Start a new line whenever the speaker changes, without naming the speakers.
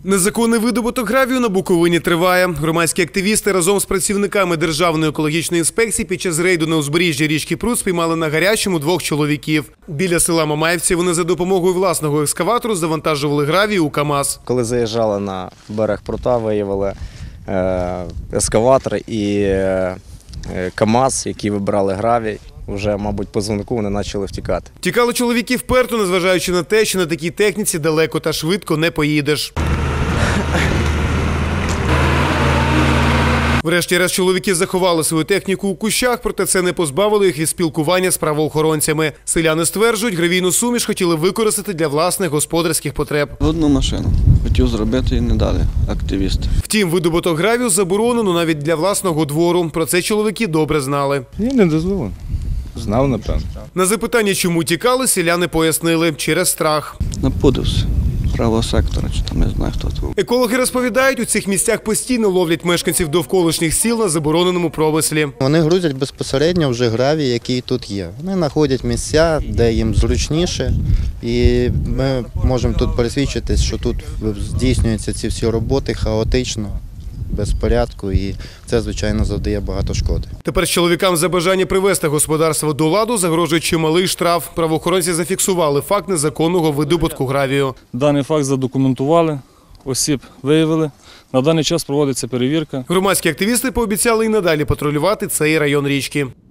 Незаконний видобуток гравію на Буковині триває. Громадські активісти разом з працівниками Державної екологічної інспекції під час рейду на узбережжі річки Прут спіймали на гарячому 2 чоловіків. Біля села Мамаївці вони за допомогою власного екскаватору завантажували гравій у КАМАЗ.
Коли заїжджали на берег Прута, виявили ескаватор і КАМАЗ, які вибирали гравій. Вже, мабуть, по дзвонку вони почали втікати.
Тікали чоловіки вперто, незважаючи на те, що на такій техніці далеко та швидко не поїдеш. Врешті-решт чоловіки заховали свою техніку у кущах, проте це не позбавило їх від спілкування з правоохоронцями. Селяни стверджують, гравійну суміш хотіли використати для власних господарських потреб.
Одну машину хотів зробити і не дали активісти.
Втім, видобуток гравію заборонено навіть для власного двору. Про це чоловіки добре знали.
Ні, не дозволено. Знав, напевно.
На запитання, чому тікали, селяни пояснили – через страх.
Напудився. Правого сектора, чи там, не знаю, хто це.
Екологи розповідають, у цих місцях постійно ловлять мешканців довколишніх сіл на забороненому промислі.
Вони грузять безпосередньо вже гравій, який тут є. Вони знаходять місця, де їм зручніше. І ми можемо тут пересвідчитись, що тут здійснюються ці всі роботи хаотично, без порядку, і це, звичайно, завдає багато шкоди.
Тепер чоловікам за бажання привести господарство до ладу загрожує чималий штраф. Правоохоронці зафіксували факт незаконного видобутку гравію.
Даний факт задокументували, осіб виявили. На даний час проводиться перевірка.
Громадські активісти пообіцяли і надалі патрулювати цей район річки.